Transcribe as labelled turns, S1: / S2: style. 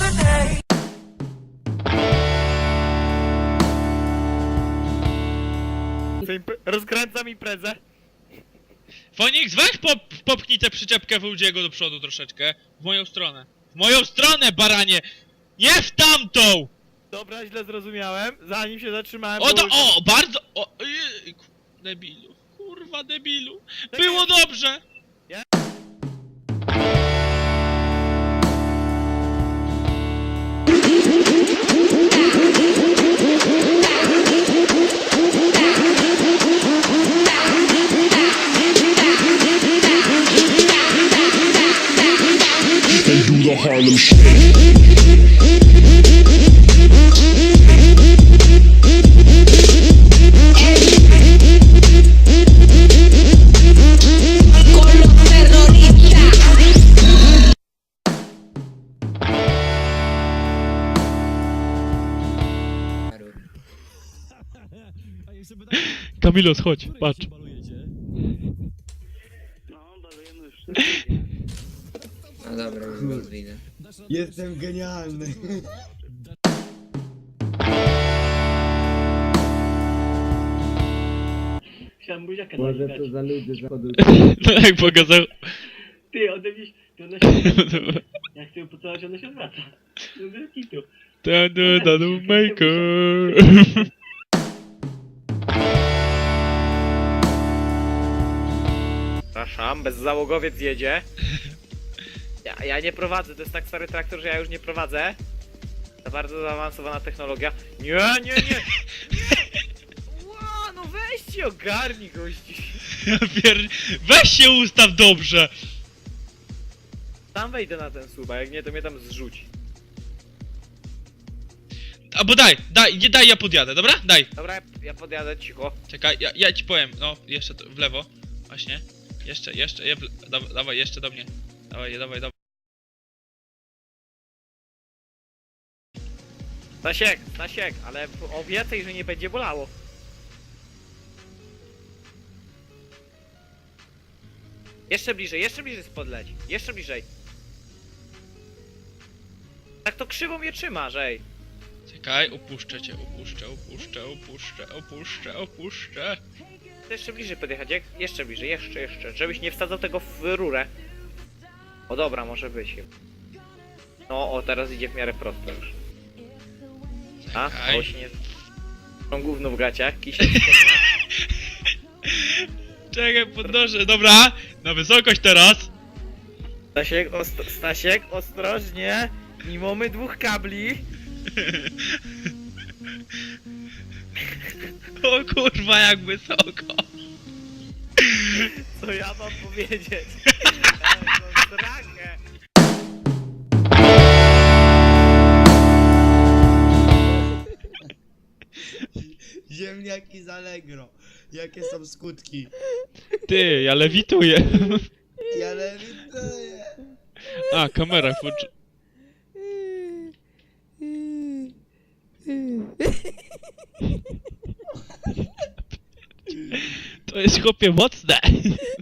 S1: Rozkręcam imprezę.
S2: Fonix, weź popchnij tę przyczepkę Wołdziego do przodu troszeczkę. W moją stronę. W moją stronę, baranie! Nie w tamtą!
S1: Dobra, źle zrozumiałem. Zanim się zatrzymałem...
S2: O,
S1: było już-
S2: o, bardzo... O, jejku, debilu. Kurwa, debilu. Było dobrze!
S3: They do the Harlem Shake.
S4: Con los terroristas.
S2: Kamilos, chodź, patrz.
S5: No dobra, już was widzę.
S6: Jestem genialny.
S7: Chciałem buziaka
S6: Może
S7: dać.
S6: to za ludzie zachodu.
S2: No jak pokazał...
S7: Ty, ode mnie, to ona się... Ja chcę ją pocałować, ona się odwraca. No bez kitu.
S2: Tanu maker.
S1: Przepraszam, bezzałogowiec jedzie. Ja nie prowadzę, to jest tak stary traktor, że ja już nie prowadzę. To bardzo zaawansowana technologia. Nie! Ła, no weźcie ogarnij gości.
S2: Ja weź się ustaw dobrze!
S1: Tam wejdę na ten słup, a jak nie to mnie tam zrzuci.
S2: Albo daj, ja podjadę, dobra? Daj.
S1: Dobra, ja podjadę cicho.
S2: Czekaj, ja ci powiem, no, jeszcze w lewo. Właśnie. Jeszcze, dawaj, jeszcze do mnie. Dawaj.
S1: Stasiek, ale obiecaj, że nie będzie bolało. Jeszcze bliżej spodleć. Jeszcze bliżej. Tak to krzywo mnie trzymasz, ej.
S2: Czekaj, upuszczę cię, opuszczę.
S1: Jeszcze bliżej podjechać, jak? Jeszcze bliżej, jeszcze. Żebyś nie wsadzał tego w rurę. O dobra, może być. No, o teraz idzie w miarę prosto już. A?
S2: Czekaj.
S1: O się nie... Są gówno w gaciach, kisiel.
S2: Czekaj, podnoszę, dobra. Na wysokość teraz.
S1: Stasiek, ostrożnie. Nie mamy dwóch kabli.
S2: O kurwa, jak wysoko.
S1: Co ja mam powiedzieć? Ja mam strachę.
S6: Ziemniaki z Allegro. Jakie są skutki?
S2: Ty, ja lewituję.
S6: Ja lewituję.
S2: A, kamera włączy. To jest chłopie mocne.